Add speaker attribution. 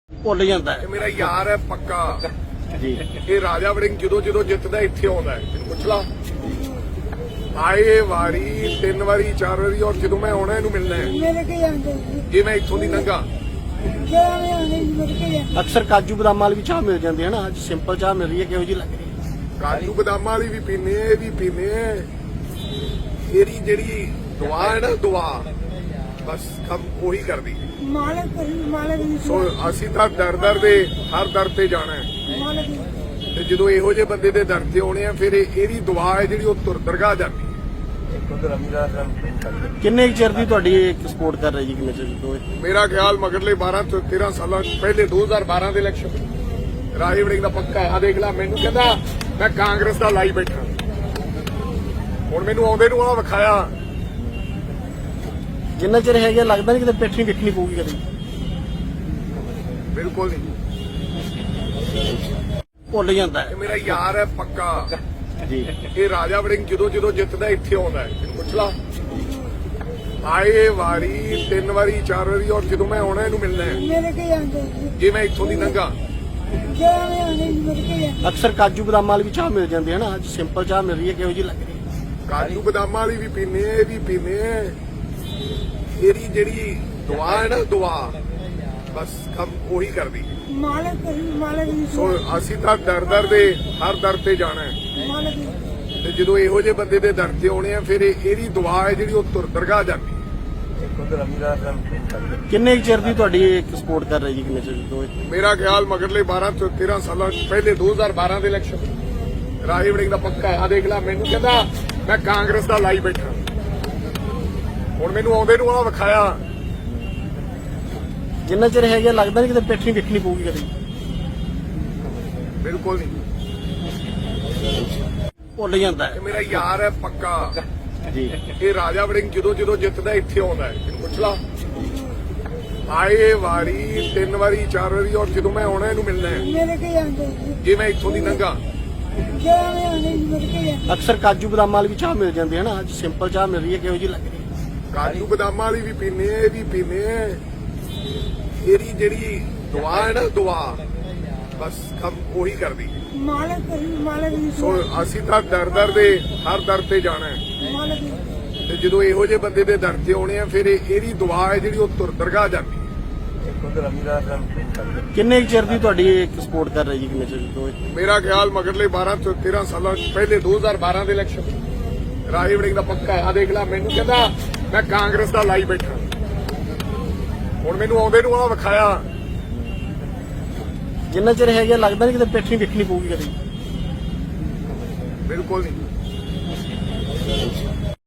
Speaker 1: ਭੁੱਲ ਜਾਂਦਾ ਹੈ।
Speaker 2: ਇਹ ਮੇਰਾ ਯਾਰ ਹੈ ਪੱਕਾ
Speaker 1: ਜੀ
Speaker 2: ਇਹ ਰਾਜਾ ਵੜਿੰਗ ਜਦੋਂ ਜਿੱਤਦਾ ਇੱਥੇ ਆਉਂਦਾ ਹੈ। ਤੈਨੂੰ ਪੁੱਛ ਲਾ ਆਏ ਵਾਰੀ 3 ਵਾਰੀ 4 ਵਾਰੀ ਔਰ ਜਦੋਂ ਮੈਂ ਆਉਣਾ ਇਹਨੂੰ ਮਿਲਣਾ ਹੈ
Speaker 3: ਮੇਰੇ ਕੇ ਜਾਂਦੇ
Speaker 2: ਜੇ ਮੈਂ ਇੱਥੋਂ ਦੀ ਲੰਘਾ
Speaker 3: ਜਿਹੜਾ ਮੈਂ ਆਉਂਦੇ ਮੇਰੇ ਕੇ ਜਾਂਦੇ
Speaker 1: ਅਕਸਰ ਕਾਜੂ ਬਦਾਮ ਵਾਲੀ ਵੀ ਚਾਹ ਮਿਲ ਜਾਂਦੀ ਹੈ ਨਾ, ਅੱਜ ਸਿੰਪਲ ਚਾਹ ਮਿਲ ਰਹੀ ਹੈ, ਕਿਹੋ ਜਿਹੀ ਲੱਗ ਰਹੀ ਹੈ?
Speaker 2: ਕਾਜੂ ਬਦਾਮਾਂ ਵਾਲੀ ਵੀ ਪੀਨੇ ਇਹ ਵੀ ਪੀਨੇ ਇਹਦੀ ਜਿਹੜੀ ਦੁਆ ਹੈ ਨਾ ਦੁਆ ਬਸ ਕੰਮ ਉਹੀ ਕਰਦੀ
Speaker 3: ਮਾਲਕ ਦੀ
Speaker 2: ਸੋ ਅਸੀਂ ਤਾਂ ਦਰ ਦੇ ਹਰ ਦਰ ਤੇ ਜਾਣਾ ਹੈ
Speaker 3: ਮਾਲਕ ਦੀ
Speaker 2: ਤੇ ਜਦੋਂ ਇਹੋ ਜਿਹੇ ਬੰਦੇ ਦੇ ਦਰ ਤੇ ਆਉਣੇ ਆ ਫਿਰ ਇਹਦੀ ਦੁਆ ਹੈ ਜਿਹੜੀ ਉਹ ਦਰਗਾਹ ਜਾਂਦੀ ਹੈ।
Speaker 1: ਕਿੰਨੇ ਕੁ ਚਿਰ ਦੀ ਤੁਹਾਡੀ ਸਪੋਰਟ ਕਰ ਰਹੀ ਜੀ, ਕਿੰਨੇ ਚਿਰ ਤੋਂ ਇਹ?
Speaker 2: ਮੇਰਾ ਖਿਆਲ ਮਗਰਲੇ 12 ਤੋਂ 13 ਸਾਲਾਂ ਪਹਿਲੇ 2012 ਦੇ ਇਲੈਕਸ਼ਨ ਰਾਜਾ ਵੜਿੰਗ ਦਾ ਪੱਕਾ ਆ ਦੇਖ ਲੈ ਮੈਨੂੰ ਕਹਿੰਦਾ ਮੈਂ ਕਾਂਗਰਸ ਦਾ ਲਾਈ ਬੈਠਾ ਹੁਣ ਮੈਨੂੰ ਆਉਂਦੇ ਨੂੰ ਆ ਵਿਖਾਇਆ
Speaker 1: ਜਿੰਨਾ ਚਿਰ ਹੈਗਾ ਲੱਗਦਾ ਨਹੀਂ ਕਿਤੇ ਪਿੱਠ ਨਹੀਂ ਵੇਖਣੀ ਪਊਗੀ ਕਦੇ।
Speaker 2: ਬਿਲਕੁਲ ਨਹੀਂ
Speaker 1: ਭੁੱਲ ਜਾਂਦਾ ਹੈ।
Speaker 2: ਇਹ ਮੇਰਾ ਯਾਰ ਹੈ ਪੱਕਾ
Speaker 1: ਜੀ
Speaker 2: ਇਹ ਰਾਜਾ ਵੜਿੰਗ ਜਦੋਂ ਜਿੱਤਦਾ ਇੱਥੇ ਆਉਂਦਾ ਹੈ। ਤੈਨੂੰ ਪੁੱਛ ਲਾ ਆਏ ਵਾਰੀ 3 ਵਾਰੀ 4 ਵਾਰੀ ਔਰ ਜਦੋਂ ਮੈਂ ਆਉਣਾ ਇਹਨੂੰ ਮਿਲਣਾ ਹੈ
Speaker 3: ਮੇਰੇ ਕੇ ਜਾਂਦੇ
Speaker 2: ਜੇ ਮੈਂ ਇੱਥੋਂ ਦੀ ਲੰਘਾ
Speaker 3: ਜਿਹੜਾ ਮੈਂ ਆਉਂਦੇ ਮੇਰੇ ਕੇ ਜਾਂਦੇ
Speaker 1: ਅਕਸਰ ਕਾਜੂ ਬਦਾਮ ਵਾਲੀ ਵੀ ਚਾਹ ਮਿਲ ਜਾਂਦੀ ਹੈ ਨਾ, ਅੱਜ ਸਿੰਪਲ ਚਾਹ ਮਿਲ ਰਹੀ ਹੈ, ਕਿਹੋ ਜਿਹੀ ਲੱਗ ਰਹੀ ਹੈ?
Speaker 2: ਕਾਜੂ ਬਦਾਮਾਂ ਵਾਲੀ ਵੀ ਪੀਨੇ ਇਹ ਵੀ ਪੀਨੇ ਇਹਦੀ ਜਿਹੜੀ ਦੁਆ ਹੈ ਨਾ ਦੁਆ ਬਸ ਕੰਮ ਉਹੀ ਕਰਦੀ
Speaker 3: ਮਾਲਕ ਦੀ
Speaker 2: ਸੋ ਅਸੀਂ ਤਾਂ ਦਰ ਦੇ ਹਰ ਦਰ ਤੇ ਜਾਣਾ ਹੈ
Speaker 3: ਮਾਲਕ ਦੀ
Speaker 2: ਤੇ ਜਦੋਂ ਇਹੋ ਜਿਹੇ ਬੰਦੇ ਦੇ ਦਰ ਤੇ ਆਉਣੇ ਆ ਫਿਰ ਇਹਦੀ ਦੁਆ ਹੈ ਜਿਹੜੀ ਉਹ ਦਰਗਾਹ ਜਾਂਦੀ ਹੈ।
Speaker 1: ਕਿੰਨੇ ਕੁ ਚਿਰ ਦੀ ਤੁਹਾਡੀ ਸਪੋਰਟ ਕਰ ਰਹੀ ਜੀ, ਕਿੰਨੇ ਚਿਰ ਤੋਂ ਇਹ?
Speaker 2: ਮੇਰਾ ਖਿਆਲ ਮਗਰਲੇ 12 ਤੋਂ 13 ਸਾਲਾਂ ਪਹਿਲੇ 2012 ਦੇ ਇਲੈਕਸ਼ਨ ਰਾਜਾ ਵੜਿੰਗ ਦਾ ਪੱਕਾ ਆ ਦੇਖ ਲੈ ਮੈਨੂੰ ਕਹਿੰਦਾ ਮੈਂ ਕਾਂਗਰਸ ਦਾ ਲਾਈ ਬੈਠਾ ਹੁਣ ਮੈਨੂੰ ਆਉਂਦੇ ਨੂੰ ਆ ਵਿਖਾਇਆ
Speaker 1: ਜਿੰਨਾ ਚਿਰ ਹੈਗਾ ਲੱਗਦਾ ਨਹੀਂ ਕਿਤੇ ਪਿੱਠ ਨਹੀਂ ਵੇਖਣੀ ਪਊਗੀ ਕਦੇ।
Speaker 2: ਬਿਲਕੁਲ ਨਹੀਂ
Speaker 1: ਭੁੱਲ ਜਾਂਦਾ ਹੈ।
Speaker 2: ਇਹ ਮੇਰਾ ਯਾਰ ਹੈ ਪੱਕਾ
Speaker 1: ਜੀ
Speaker 2: ਇਹ ਰਾਜਾ ਵੜਿੰਗ ਜਦੋਂ ਜਿੱਤਦਾ ਇੱਥੇ ਆਉਂਦਾ ਹੈ। ਤੈਨੂੰ ਪੁੱਛ ਲਾ ਆਏ ਵਾਰੀ 3 ਵਾਰੀ 4 ਵਾਰੀ ਔਰ ਜਦੋਂ ਮੈਂ ਆਉਣਾ ਇਹਨੂੰ ਮਿਲਣਾ ਹੈ
Speaker 3: ਮੇਰੇ ਕੇ ਜਾਂਦੇ
Speaker 2: ਜੇ ਮੈਂ ਇੱਥੋਂ ਦੀ ਲੰਘਾ
Speaker 3: ਜਿਹੜਾ ਮੈਂ ਆਉਂਦੇ ਮੇਰੇ ਕੇ ਜਾਂਦੇ
Speaker 1: ਅਕਸਰ ਕਾਜੂ ਬਦਾਮ ਵਾਲੀ ਵੀ ਚਾਹ ਮਿਲ ਜਾਂਦੀ ਹੈ ਨਾ, ਅੱਜ ਸਿੰਪਲ ਚਾਹ ਮਿਲ ਰਹੀ ਹੈ, ਕਿਹੋ ਜਿਹੀ ਲੱਗ ਰਹੀ ਹੈ?
Speaker 2: ਕਾਜੂ ਬਦਾਮਾਂ ਵਾਲੀ ਵੀ ਪੀਨੇ ਇਹ ਵੀ ਪੀਨੇ ਇਹਦੀ ਜਿਹੜੀ ਦੁਆ ਹੈ ਨਾ ਦੁਆ ਬਸ ਕੰਮ ਉਹੀ ਕਰਦੀ
Speaker 3: ਮਾਲਕ ਦੀ
Speaker 2: ਸੋ ਅਸੀਂ ਤਾਂ ਦਰ ਦੇ ਹਰ ਦਰ ਤੇ ਜਾਣਾ ਹੈ
Speaker 3: ਮਾਲਕ ਦੀ
Speaker 2: ਤੇ ਜਦੋਂ ਇਹੋ ਜਿਹੇ ਬੰਦੇ ਦੇ ਦਰ ਤੇ ਆਉਣੇ ਆ ਫਿਰ ਇਹਦੀ ਦੁਆ ਹੈ ਜਿਹੜੀ ਉਹ ਦਰਗਾਹ ਜਾਂਦੀ ਹੈ।
Speaker 1: ਕਿੰਨੇ ਕੁ ਚਿਰ ਦੀ ਤੁਹਾਡੀ ਸਪੋਰਟ ਕਰ ਰਹੀ ਜੀ, ਕਿੰਨੇ ਚਿਰ ਤੋਂ ਇਹ?
Speaker 2: ਮੇਰਾ ਖਿਆਲ ਮਗਰਲੇ 12 ਤੋਂ 13 ਸਾਲਾਂ ਪਹਿਲੇ 2012 ਦੇ ਇਲੈਕਸ਼ਨ ਰਾਜਾ ਵੜਿੰਗ ਦਾ ਪੱਕਾ ਆ ਦੇਖ ਲੈ ਮੈਨੂੰ ਕਹਿੰਦਾ ਮੈਂ ਕਾਂਗਰਸ ਦਾ ਲਾਈ ਬੈਠਾ ਹੁਣ ਮੈਨੂੰ ਆਉਂਦੇ ਨੂੰ ਆ ਵਿਖਾਇਆ
Speaker 1: ਜਿੰਨਾ ਚਿਰ ਹੈਗਾ ਲੱਗਦਾ ਨਹੀਂ ਕਿਤੇ ਪਿੱਠ ਨਹੀਂ ਵੇਖਣੀ ਪਊਗੀ ਕਦੇ।
Speaker 2: ਬਿਲਕੁਲ ਨਹੀਂ